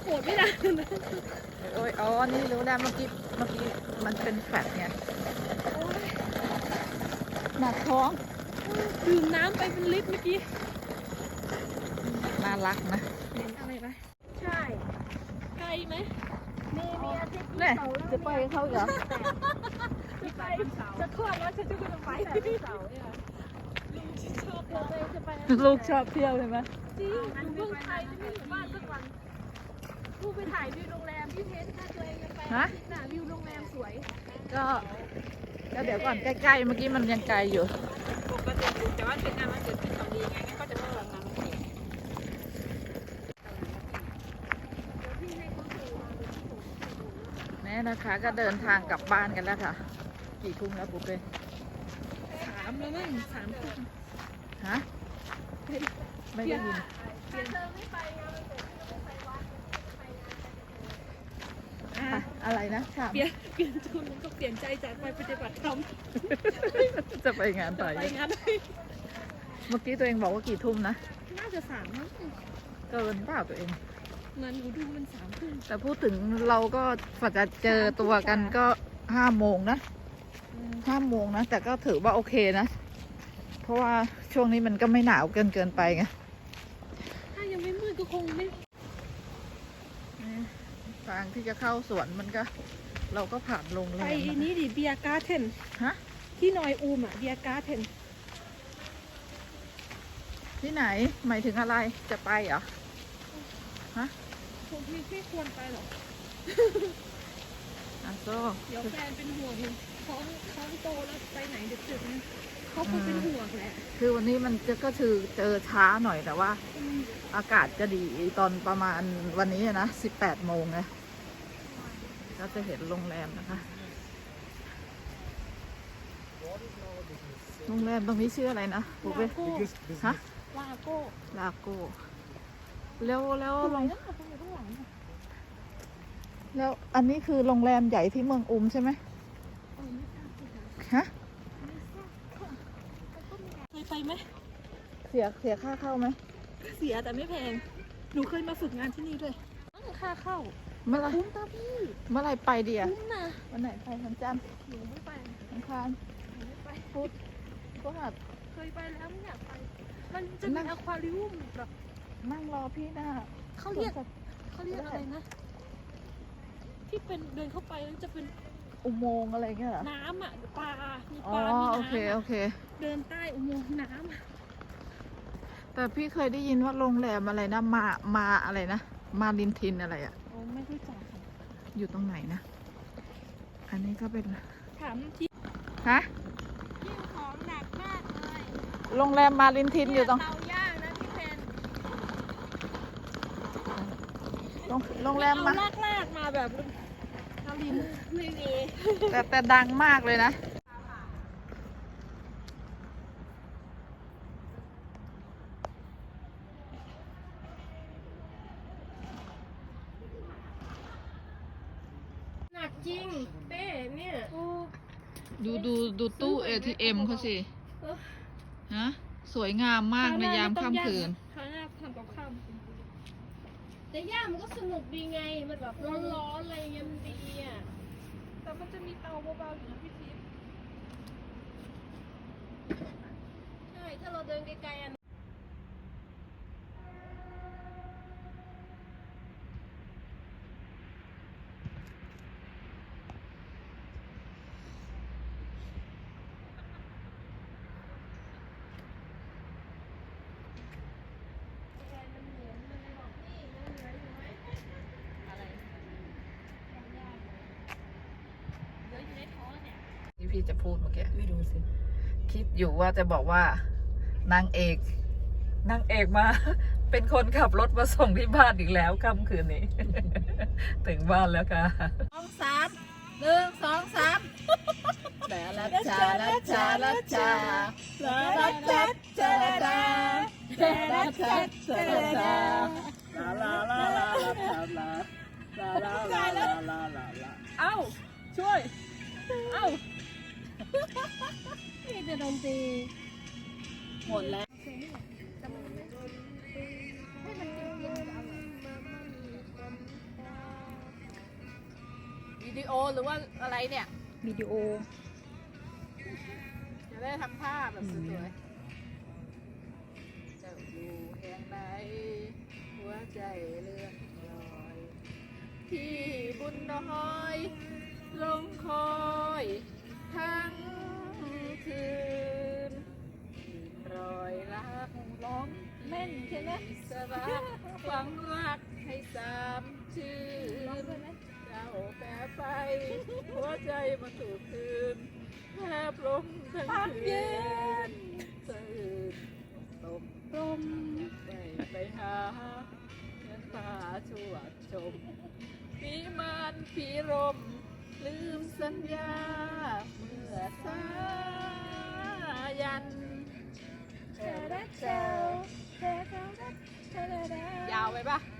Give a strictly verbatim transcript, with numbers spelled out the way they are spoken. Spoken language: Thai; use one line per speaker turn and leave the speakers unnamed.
โกรธไม่ได้นะ
โอ้ยอ๋อนี่รู้แล้วเมื่อกี้เมื่อกี้มันเป็นแฟตไงหนักท้อง
ดื่มน้ำไปเป็นลิตรเมื่อกี้
น่ารักนะ
เห็นอะไรไหมใช่ไกลไหมมีมีอาทิตย์
เนี่ยจะไปเขาเหรอ
จะไปจะคลอดแล้วฉันจะไปไปเสาเนี่ยลูกชอบเลยจะไป
ลูกชอบเที่ยวใช่ไหม
จริงอยู่เมืองไทยไม่อยู่บ้านสักวันลูกไปถ่ายวิวโรงแรมพี่เพชรถ้าตัวเองจะไปน่ะวิวโรงแรมสวย
ก็ก็เดี๋ยวก่อนใกล้ๆเมื่อกี้มันยังไกลอยู่
ปกติแต่ว่าเป็นงานมันเกิดที่ทำดีไงก็จะไม่วางงานมันเอง
นี่นะคะก็เดินทางกลับบ้านกันแล้วค่ะกี่ทุ่มแล้วปุ๊บเลย
สามแล้วมั้งสามทุ่ม
ฮะไม่ได้ยิน
เปลี่ยนเธอไม่ไปงานมันเกิดที่เราไม่ไปวัดไปงาน
อะไรนะ
เปลี่ยนเปลี่ยนชุดก็เปลี่ยนใจจากไปปฏิบัติธรรม
จะไปงานไป
ไปงาน
เมื่อกี้ตัวเองบอกว่ากี่ทุ่มนะ
น่าจะสามมั้ง
เกินเปล่าตัวเอง
มันหนูดูมันสามทุ่ม
แต่พูดถึงเราก็ฝากจะเจอตัวกันก็ห้าโมงนะห้าโมงนะแต่ก็ถือว่าโอเคนะเพราะว่าช่วงนี้มันก็ไม่หนาวเกินเกินไปไง
ถ้ายังไม่มืดก็คงไม่
ทางที่จะเข้าสวนมันก็เราก็ผ่านลงเลย
ไปนี้ดิเบียร์การ์เทน
ฮะ
ที่นอยอูมอ่ะเบียร์การ์เทน
ที่ไหนหมายถึงอะไรจะไปเหรอฮะ
ผมไม่ไม่ควรไปหรอก
อ่ะโซ
เดี๋ยวแฟนเป็นห่วงท้องท้องโตแล้วไปไหนดึกๆนะเขาคงเป็นห่วงแหละ
คือวันนี้มันจะก็คือเจอช้าหน่อยแต่ว่าอากาศจะดีตอนประมาณวันนี้นะสิบแปดโมงไงก็จะเห็นโรงแรมนะคะโรงแรมตรงนี้ชื่ออะไรนะปุ๊บเป้ฮะ
ลาโก้
ลาโก้แล้วแล้วลงแล้วอันนี้คือโรงแรมใหญ่ที่เมืองอุมใช่ไหมฮะ
เคยไปไหม
เสียเสียค่าเข้าไหม
เสียแต่ไม่แพงหนูเคยมาฝึกงานที่นี่ด้วยค่าเข้า
เมื่อไร
คุ้มตาพี่
เมื่อไรไปดีอ่ะ
คุ้มนะ
วันไหนไปวันจันทร์
หนูไม่ไป
วันอังคาร
หนูไม่ไป
พุธพฤหัส
เคยไปแล้วไม่อยากไปมันจะมีอควาริอุมแบบ
นั่งรอพี่นะ
เขาเรียกเขาเรียกอะไรนะที่เป็นเดินเข้าไปแล้วจะเป็น
อุโมงค์อะไรเงี้ย
น้ำอ่ะปลามี
ปลามีน้ำโอเคโอเค
เดินใต้อุโมงค์น้ำ
แต่พี่เคยได้ยินว่าโรงแรมอะไรนะมามาอะไรนะมาลินทินอะไรอ่ะ
โอ้ไม่รู้จัก
อยู่ตรงไหนนะอันนี้ก็เป็น
ถามที่
ฮะ
ที่ของหนักมากเลย
โรงแรมมาลินทินอยู่ตรง
เตาย่างนะพี่เพน
โรงแรมมา
ลากลากมาแบบเตาลินไม่มี
แต่แต่ดังมากเลยนะ
หนักจริงเป้เนี่ย
ดูดูดูตู้ เอ ที เอ็ม เขาสิฮะสวยงามมากในยามค่ำคืน
ข้างหน้าทำกับข้าวแต่ย่ามันก็สนุกดีไงมันแบบร้อนๆอะไรเงี้ยมันดีอ่ะแต่มันจะมีเตาเบาๆอยู่นะพี่ทิพย์ใช่ถ้าเราเดินไกลๆอ่ะ
ที่พี่จะพูดเมื่อกี้ไม่รู้สิคิดอยู่ว่าจะบอกว่านางเอกนางเอกมาเป็นคนขับรถมาส่งที่บ้านอีกแล้วค่ำคืนนี้ ถึงบ้านแล้วค่ะ
สองสามหนึ่งสองสาม
แต่ละชาละชาละชาละละชาชาละชาละชาชาละชาลาลาลาลาลาลาลาลาลาลาลาลาลาเอ้าช่วยเอ้า
นี่จะโดนตี
หมดแล้วดีโอหรือว่าอะไรเนี่ย
วิดีโอ
จะได้ทำภาพแบบสวยๆเจ้าอยู่แห่งไหนหัวใจเลื่อนลอยที่บุญน้อยลงคอยทั้งคืนรอยรักร้องแม่นใช่ไหมสรักฟังรักให้สามชื่นเจ้าแปรไปหัวใจมาถูกคืนแทบล้มทั้งคืนสะอื้นตมตมไปไปหาเงินตาชวดชมปีมันปีรมลืมสัญญาเมื่อสายัน ยาวไปปะ